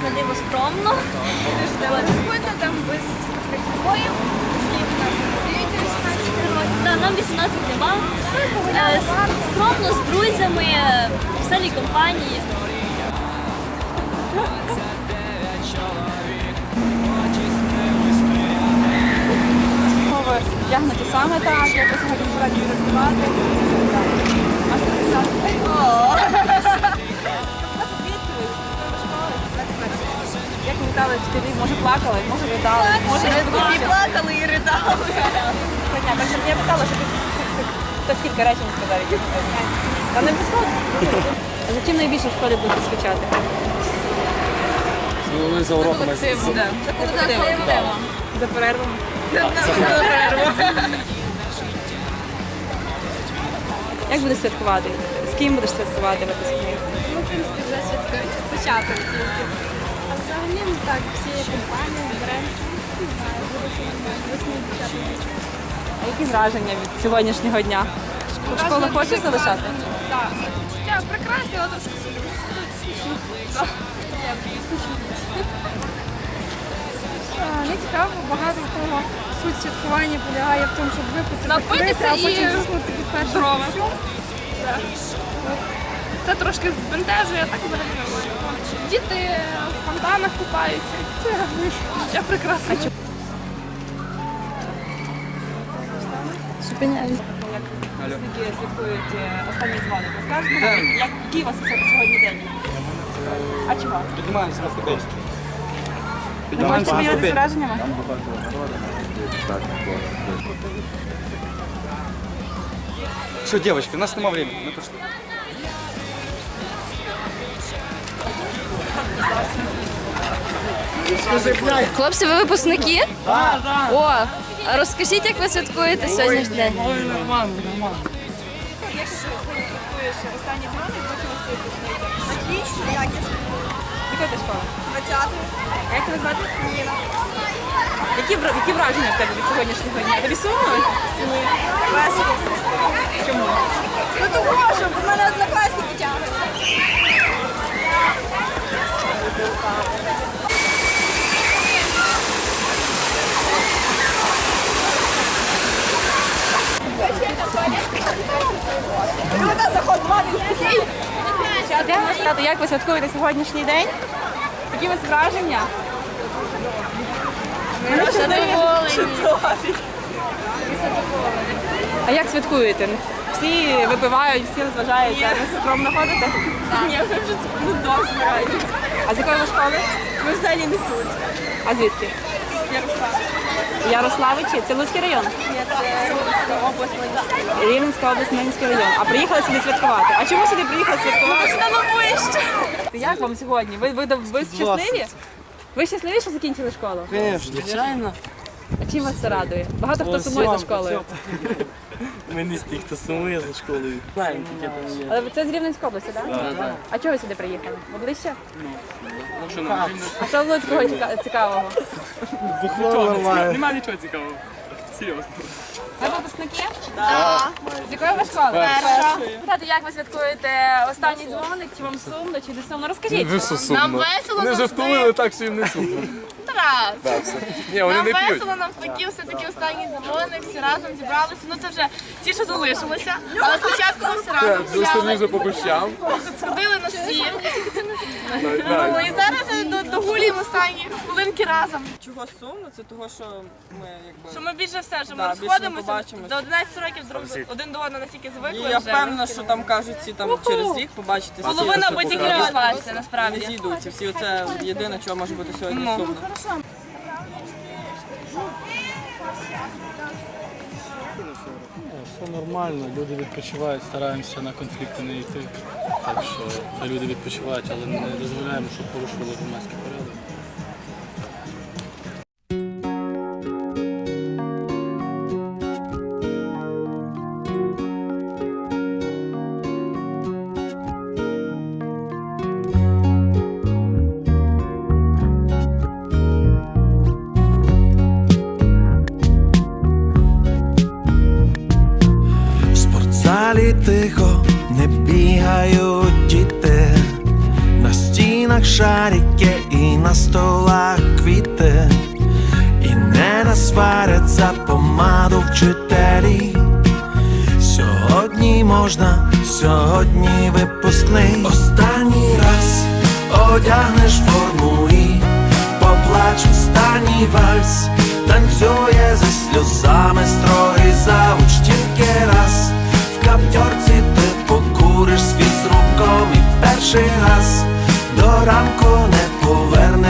на диво скромно. Спокійно, там без приколів. Скільки нас? 18 років. Да, нам 18 нема. Скромно, з друзями, в веселій компанії. Ви вдягнуті саме так, якось сьогодні збираєте розвивати. Як ви вітали вчителів? Може плакали, може ридали, може не Плакали і ридали. Так щоб я питала, що ти скільки речень сказав, які ти знаєш. Та не обов'язково. А за чим найбільше в школі будете скучати? Ну, за уроками. За перервами? Як будеш святкувати? З ким будеш святкувати випускний? Ну, в принципі, вже святкують спочатку тільки. А взагалі, ну так, всі компанії зберемо. Не знаю, буде що нормально. 8-10. А які враження від сьогоднішнього дня? Школу хочеш залишати? Так. Життя прекрасне, але трошки скучно. Не цікаво, багато того суть святкування полягає в тому, щоб випити, закурити, а потім заснути від першого дня. Це трошки збентежує, а так взагалі нормально. Діти в фонтанах купаються. Це життя прекрасне. Як скільки святкують останні дзвоник? Розкажете, який у вас сьогодні день? А чого? Піднімаємося на ступеньки. Ви можете поділитися враженнями? Все, девочки, у нас нема времени. Мы пошли. Хлопці, ви випускники? Так, так. О, а розкажіть, як ви святкуєте сьогоднішній день? Ой, нормально, нормально. Як ти святкуєш останні дзвоник, бачила свою випускницю? Отлично, якісно. Яка ти школа? 20-й. А як тебе звати? Ніна. Які враження в тебе від сьогоднішнього дня? Тобі сумно? Весело. Чому? Ну того, що в мене однокласники тягнуться. Люда, заход 2 місяці. Як ви святкуєте сьогоднішній день? Які у вас враження? Ми задоволені. А як святкуєте? Всі випивають, всі розважаються. Ви скромно ходите? Ні, ми вже дуже збирають. А з якої ви школи? Ми взагалі несуть. А звідки? Ярослав. Ярославичі? Це Луцький район? Ні, це область моя. Рівненська область, Минський район. А приїхали сюди святкувати. А чому сюди приїхали святкувати? Сюди вище. Як вам сьогодні? Ви щасливі? Ви щасливі, що закінчили школу? Звичайно. А чим вас це радує? Багато хто сумує за школою. Ми не з тих, хто сумує за школою. Знаємо, таке там є. Але це з Рівненської області, так? Так. А чого ви сюди приїхали? Ви ближче? Що нам? А що було такого цікавого? Нема нічого цікавого. Серйозно. Ви випускники? Так. З якої ви школи? Перша. Питати, як ви святкуєте останній дзвоник? Чи вам сумно, чи не сумно? Розкажіть. Нам весело Не завжди. жартували, так що їм не сумно. Тарас. Ні, вони Нам не п'ють. весело, навпаки, все-таки останній дзвоник, всі разом зібралися. Ну це вже ті, що залишилися. Але спочатку ми всі разом Остальні гуляли, вже по кущам. сходили на сім. Ну і зараз догулюємо останні хвилинки разом. Чого сумно? Це того, що ми якби. Що ми більше все, що ми Да, більше не розходимося побачимось. за 11 років один до одного настільки звикли. І я вже. впевнена, що там кажуть, ці там через рік побачити. Половина або тільки розійшлася, не насправді. зійдуться. Всі оце єдине, чого може бути сьогодні сумно. Все нормально, люди відпочивають, стараємося на конфлікти не йти. Так що люди відпочивають, але не дозволяємо, щоб порушували громадський порядок. Залі тихо не бігають діти, на стінах шарики і столах квіти, і не насварять за помаду вчителі. Сьогодні можна, сьогодні випускний. Останній раз одягнеш форму і поплач останній вальс. Танцює зі сльозами строгий завуч тільки раз. В каптьорці ти покуриш свій з руком і перший раз до ранку не повернеш.